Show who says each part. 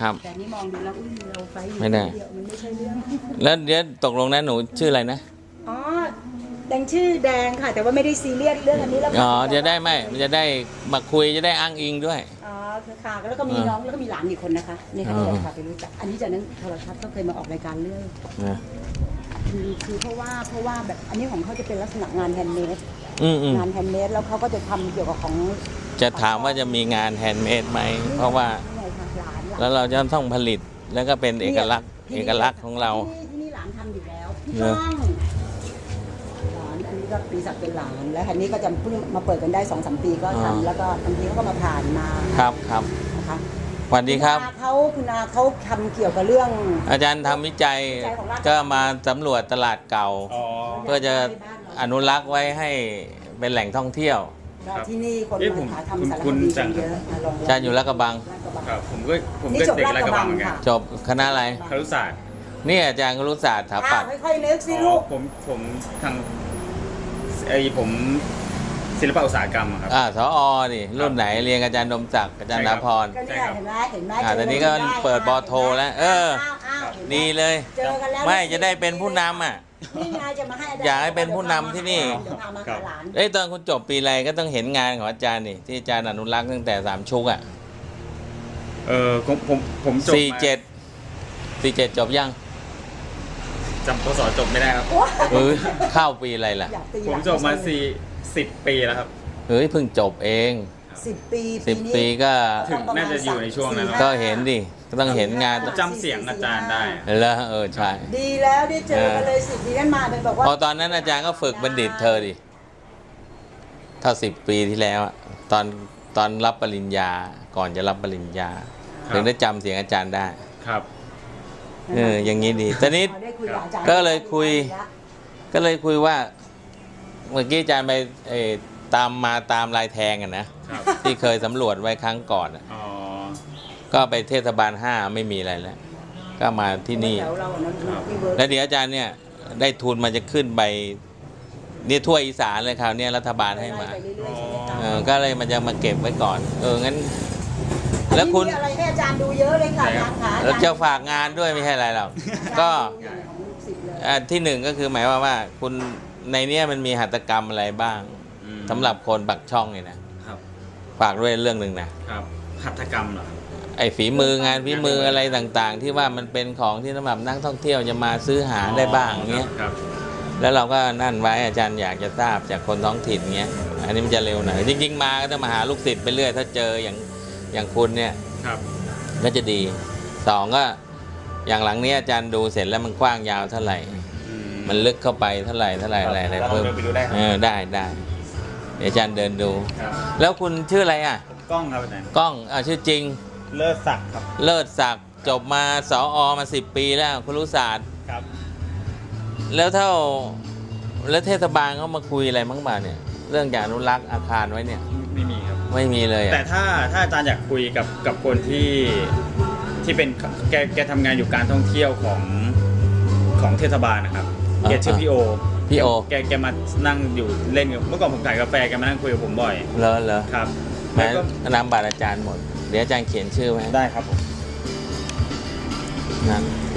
Speaker 1: ครับ
Speaker 2: แต่นี่มองดูแล้วอุ้ยเราไฟอยู่
Speaker 1: ไม่ได้
Speaker 2: เดียวมันไม่ใช่เรื่อง
Speaker 1: แล้วเดี๋ยวตกลงนะหนูชื่ออะไรนะ
Speaker 2: อ๋อแดงชื่อแดงค่ะ แต่ว่าไม่ได้ซีเรียสเรื่องอันนี้แล้ว
Speaker 1: อ๋อจะได้ไม่มันจะได้มาคุยจะได้อ้างอิงด้วย
Speaker 2: อ๋อคือค่ะแล้วก็มีน้องแล้วก็มีหลานอีกคนนะคะนี่ค่ะ
Speaker 1: อ๋อ
Speaker 2: เดี๋ยวพาไปรู้จักอันนี้จากนั้นโทรทัศน์ก็เคยมาออกรายการเรื่อย
Speaker 1: นะ
Speaker 2: คือเพราะว่าแบบอันนี้ของเขาจะเป็นลักษณะงานแฮนด์เมด
Speaker 1: อืม
Speaker 2: งานแฮนด์เมดแล้วเขาก็จะทำเกี่ยวกับของ
Speaker 1: จะถามว่าจะมีงานแฮนด์เมดไหมเพราะว่า
Speaker 2: นี่ไงค่ะหลาน
Speaker 1: แล้วเราจะต้องผลิตแล้วก็เป็นเอกลักษณ์ของเรา
Speaker 2: ที่นี่หลานทำอยู่แล้วพี่
Speaker 1: เน
Speaker 2: ก้
Speaker 1: อะ
Speaker 2: องหลานอันนี้ก็ปีศักดิ์เป็นหลานแล้วอันนี้ก็จะเพิ่งมาเปิดกันได้ 2-3 ปีก็ทำแล้วก็บางทีเขาก็มาผ่านมา
Speaker 1: ครับ
Speaker 2: นะคะ
Speaker 1: สวัสดีครับ
Speaker 2: คุณอาเขาทำเกี่ยวกับเรื่อง
Speaker 1: อาจารย์ทำวิจัยก็มาสำรวจตลาดเก่า
Speaker 3: อ๋อ
Speaker 1: เพื่อจะอนุรักษ์ไว้ให้เป็นแหล่งท่องเที่ยว
Speaker 2: ที่นี่คน
Speaker 3: เอ๊ะผม
Speaker 2: มาทำสารค
Speaker 3: คุณ
Speaker 2: ดี
Speaker 3: จั
Speaker 2: กัน
Speaker 3: ง
Speaker 2: เยอะมาลอง
Speaker 1: อาจารย์อยู่ลาดกระบัง
Speaker 2: ลาดกระบัง
Speaker 3: ครับผมก็
Speaker 2: นี่จบ
Speaker 3: เด็ก
Speaker 2: ลาด
Speaker 3: ลาด
Speaker 2: ก
Speaker 3: ก
Speaker 2: ระ
Speaker 3: ระ
Speaker 2: บั
Speaker 3: บั
Speaker 2: ง
Speaker 3: งเหมือนกัน
Speaker 2: ค่ะ
Speaker 1: จบคณะอะไร
Speaker 3: ครุศาสตร์
Speaker 1: นี่อาจารย์ครุศาสตร์สถาปัตย์
Speaker 2: ค่อยๆนึกสิ
Speaker 3: อ๋
Speaker 2: ลู
Speaker 3: อก ผมศิลปะอุตสาหกรรมอะครับ
Speaker 1: สอนี่รุ่นไหนเรียนกับอาจารย์ดมศักดิ์อาจารย์
Speaker 3: ใช่
Speaker 1: ดา
Speaker 3: ครับ
Speaker 1: พร
Speaker 2: ก็เนี่ยเห็นไหมเห็นไหม
Speaker 1: ตอนนี้ก็เปิดบอโทแล้ว
Speaker 2: อ้าว
Speaker 1: ดี
Speaker 2: เห็นไหม
Speaker 1: เลย
Speaker 2: เจอกันแล้ว
Speaker 1: ไม่จะได้เป็นผู้นำอ่ะ
Speaker 2: นี่ไงจะมาให้จร
Speaker 1: อยากให้เป็นผู้นำที่นี่
Speaker 2: เดี๋ยวพามาหาหลาน
Speaker 1: ตอนคุณจบปีอะไรก็ต้องเห็นงานของอาจารย์นี่ที่อาจารย์อนุรักษ์ตั้งแต่3 ชุกอ่ะ
Speaker 3: ผมจบ
Speaker 1: 47จบยัง
Speaker 3: จำพศจบไม่ได้ครับ
Speaker 1: เข้าปีอะไรล่ะ
Speaker 2: อยากตี
Speaker 3: ผมจบมา10 ปีแล้วครับ
Speaker 1: เฮ้ยเพิ่งจบเอง
Speaker 2: 10 ปี
Speaker 1: 10 ปีก็
Speaker 3: ถึงน่าจะอยู่ในช่วงนั้น
Speaker 1: ก็เห็นดิก็ต้องเห็นงาน
Speaker 3: จำเสียงอาจารย์ได้
Speaker 1: แล้วใช่
Speaker 2: ดีแล้วได้เจอกันเลย10 ปีนั้นมาเป็นบอกว่า
Speaker 1: พอตอนนั้นอาจารย์ก็ฝึกบัณฑิตเธอดิถ้า10 ปีที่แล้วอะตอนรับปริญญาก่อนจะรับปริญญา
Speaker 3: ครับ
Speaker 1: ถึงได้จำเสียงอาจารย์ได้
Speaker 3: ครับ
Speaker 1: อย่างนี้ดีตอนนี้
Speaker 2: ได้คุยกับอาจารย์
Speaker 1: ก็เลยคุยว่า เมื่อกี้อาจารย์ไปตามลายแทงกันนะครับ ที่เคยสำรวจไว้ครั้งก่อนอะ
Speaker 3: อ๋อ
Speaker 1: ก็ไปเทศบาล5ไม่มีอะไรแล้ว ก็มาที่นี่
Speaker 2: แถวเราอะเนอะที่เวิร์ก
Speaker 1: แล้วเดี๋ยวอาจารย์เนี่ยได้ทุนมาจะขึ้นไปนี่ทั่วอีสานเลยคราวนี้รัฐบาลให้มา
Speaker 2: ไปเรื่อยๆใช่ไหมคะ
Speaker 1: ก็เลยมันจะมาเก็บไว้ก่อนงั้น แล้วคุณ
Speaker 2: มีอะไรให้อาจารย์ดูเยอะเลยค่ะอาจารย์ขา
Speaker 1: แล้วจะฝากงานด้วยไม่ใช่อะไรหรอกก็ ที่หนึ่งก็คือหมายว่าคุณในเนี้ยมันมีหัตถกรรมอะไรบ้าง
Speaker 3: อืม
Speaker 1: สำหรับคนปักช่องเนี่ยนะครับ ฝากด้วยเรื่องหนึ่งนะครับ
Speaker 3: หัตถกรรมเหรอครับ
Speaker 1: ไอ้ฝีมืองานฝีมืออะไรต่างๆ ที่ว่ามันเป็นของที่สำหรับนักท่องเที่ยวจะมาซื้อหาได้บ้างเงี้ย
Speaker 3: ครับ
Speaker 1: แล้วเราก็นั่นไว้อาจารย์อยากจะทราบจากคนท้องถิ่นเงี้ยอันนี้มันจะเร็วหน่อยจริงๆมาก็ต้องมาหาลูกศิษย์ไปเรื่อยถ้าเจออย่างคุณเนี่ย
Speaker 3: ครับ
Speaker 1: ก็จะดี2ก็อย่างหลังนี้อาจารย์ดูเสร็จแล้วมันกว้างยาวเท่าไหร่ มันลึกเข้าไปเท่าไหร่อะไรเพิ่ม
Speaker 3: เราเดินไปดูได้ครับ
Speaker 1: ได้เดี๋ยวอาจารย์เดินดู
Speaker 3: ครับ
Speaker 1: แล้วคุณชื่ออะไรอ่ะ
Speaker 3: ผมกล้องครับอาจารย์
Speaker 1: กล้องชื่อจริง
Speaker 3: เลิศศักดิ์ครับ
Speaker 1: เลิศศักดิ์จบมาสอมา10 ปีแล้วครุศาสตร์
Speaker 3: ครับ
Speaker 1: แล้วเทศบาลเขามาคุยอะไรบ้างบ่าเนี่ย เรื่องการอนุรักษ์อาคารไว้เนี่ย
Speaker 3: ไม่มีครับ
Speaker 1: ไม่มีเลย
Speaker 3: แต่ถ้าอาจารย์อยากคุยกับคนที่เป็นแกทำงานอยู่การท่องเที่ยวของเทศบาลนะครับแกชื่อพี่โอ แกมานั่งอยู่เล่นกับเมื่อก่อนผมขายกาแฟแกมานั่งคุยกับผมบ่อย
Speaker 1: เหรอ
Speaker 3: ครับ
Speaker 1: แม้
Speaker 3: แล้วก็
Speaker 1: นามบัตรอาจารย์หมด เดี๋ยวอาจารย์เขียนชื่อไว้
Speaker 3: ได้ครับผม
Speaker 1: นั่น